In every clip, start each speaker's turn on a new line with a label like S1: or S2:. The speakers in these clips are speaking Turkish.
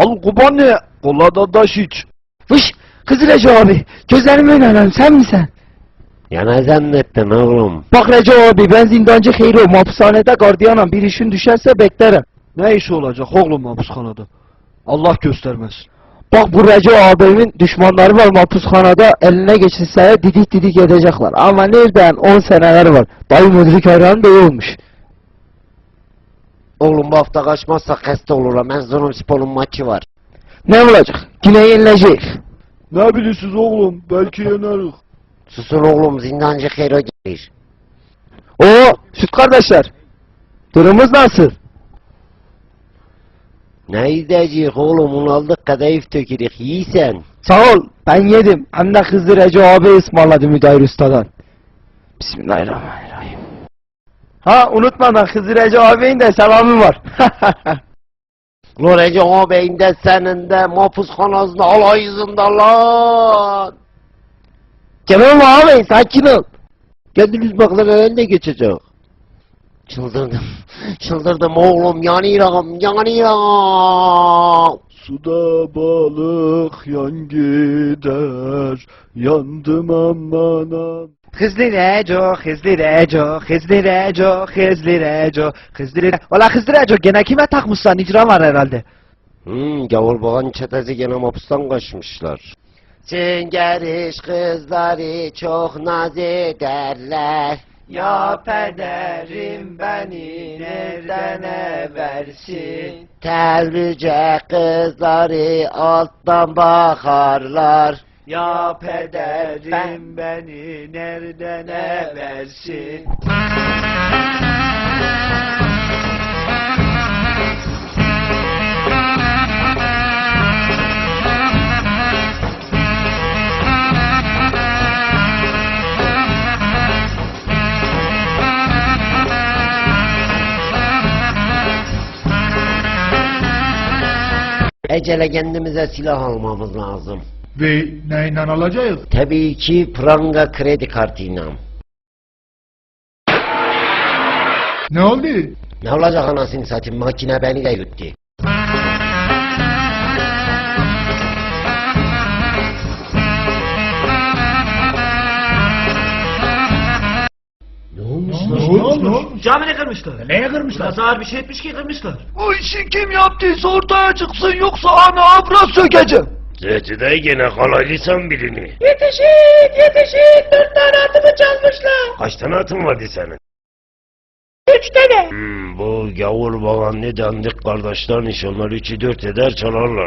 S1: Al kubani. Kollada taş iç.
S2: Fış! Kız Recep abi, gözlerime inanıyorum, sen misin?
S3: Ya ne zannettin oğlum?
S2: Bak Recep abi, ben zindancı Hayro, hapishanede gardiyanım, bir işin düşerse beklerim.
S1: Ne işi olacak oğlum hapishanede? Allah göstermesin.
S2: Bak bu Recep abimin düşmanları var hapishanede, eline geçirse didik didik edecekler. Ama nereden 10 seneler var, dayı müdürlük hayranı bey olmuş.
S3: Oğlum bu hafta kaçmazsak hasta olurum. Erzurumspor'un maçı var.
S2: Ne olacak? Yine yenilecek.
S1: Ne bilirsiniz oğlum? Belki yeneriz.
S3: Susun oğlum, zindancı Hero gelir.
S2: Oo, süt kardeşler. Durumumuz nasıl?
S3: Ne izleyecek oğlum, onu aldık kadayıf tökürük, yiysen.
S2: Sağ ol, ben yedim. Hem de kızı Recep abi ısmarladı müdahil ustadan. Bismillahirrahmanirrahim. Ha unutmadan kızı Recep abinin de selamı var.
S3: Lo Recep ağabeyin de senin de mahpushanasında alayızında lan.
S2: Canım abi sakin ol.
S3: Kendiniz baklar önüne geçecek. Çıldırdım oğlum, yanıyorum.
S1: Suda balık yan gider. Yandım aman aman.
S2: Hızlı Reco, hızlı Reco, hızlı Reco, hızlı Reco, hızlı Reco. Valla hızlı Reco gene kime takmışsan icra var herhalde.
S3: Gavur bağın çetesi gene mapustan kaçmışlar. Süngeriş kızları çok naz ederler.
S2: Ya pederim beni nereden eversin?
S3: Terlice kızları alttan bakarlar.
S2: Ya pederim beni nereden eversin?
S3: Ecele kendimize silah almamız lazım.
S4: Ve neyle alacağız?
S3: Tabii ki pranga kredi kartıyla.
S4: Ne oldu?
S3: Ne olacak anasını satayım, makine beni de yuttu. Ne olmuş lan?
S2: Camini kırmışlar.
S4: Neye kırmışlar?
S2: Biraz ağır bir şey etmiş ki kırmışlar.
S1: Bu işi kim yaptıysa ortaya çıksın yoksa ana abra sökeceğim.
S5: Zeytide gene kalaylıysan birini.
S2: Yetişin yetişin 4 tane atımı çalmışlar.
S5: Kaç tane atın vardı senin?
S2: 3 tane.
S5: Bu gavur baban ne dandik kardeşlerin iş, onlar 3'ü 4 eder çalarlar.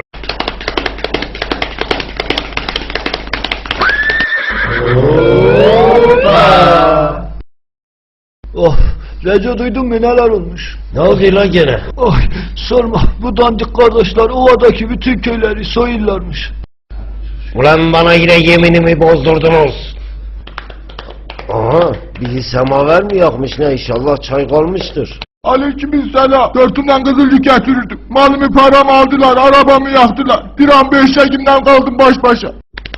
S1: Oh, Recep duydun mu neler olmuş?
S5: Ne oldu lan gene?
S1: Ay sorma, bu dandik kardeşler ovadaki bütün köyleri soyullarmış.
S5: Ulan bana yine yeminimi bozdurdunuz. Aha, bir semaver mi yakmış ne, inşallah çay kalmıştır.
S4: Aleykümselam. Dörtünden kızılcık getirirdik. Malımı paramı aldılar, arabamı yaktılar. Bir an 5 Ekim'den kaldım baş başa.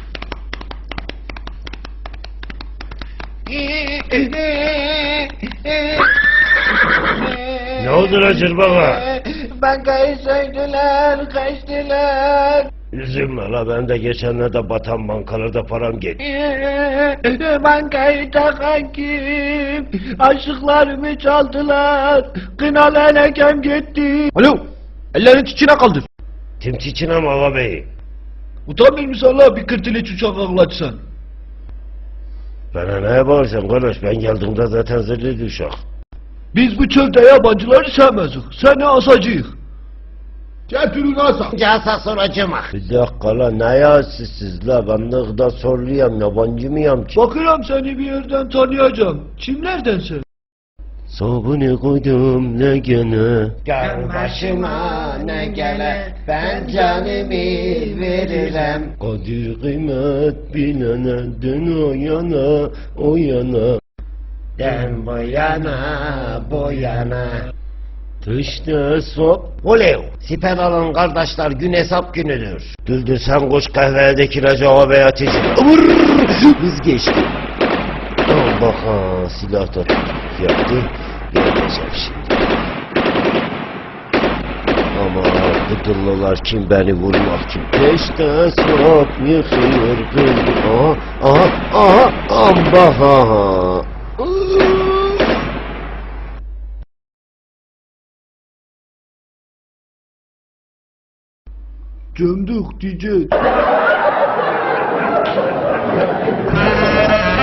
S5: Ne oldu lan Cırbaka?
S2: Bankayı soydular, kaçtılar.
S5: Üzülme la, ben de geçenlerde batan bankalarda param gitti.
S2: Bankayı takan kim? Aşıklarımı çaldılar. Kınalı enekem gitti.
S1: Alo, ellerini içine kaldır.
S5: Tim çiçine mi ağa bey?
S1: Utanmıyor musun la bir kırtılıç uçak ağlatsan?
S5: Bana neye bağırsan kardeş, ben geldiğimde zaten zırhlıydı uşak.
S1: Biz bu çölde yabancıları sevmezik, seni asacıyık.
S4: Getirin asa.
S3: Casa soracağım.
S5: Bir dakika la, ne yazsızsız la, ben de gıda soruluyam, yabancı mıyım ki?
S1: Bakıram seni bir yerden tanıyacağım. Kimlerden sen?
S5: Sabunu koydum ne gene.
S3: Gel başıma ne gele, ben canımı veririm.
S5: Kadir kıymet bilene, dön o yana, o yana.
S3: Den boyana boyana.
S5: Dışta sop.
S3: Olev, siper alın kardeşler, gün hesap günüdür.
S5: Düldül sen koş kahvedeki Recep ağabey ateşi. Vur! Hız geçti. Allah ha, silah da yaptı. Geleceğim şimdi. Ama Akıdıllılar kim beni vurmak kim? Peşte surat yıkıyor kız. Aha, aha, aha, ambaha.
S1: Cemduk diyeceğiz.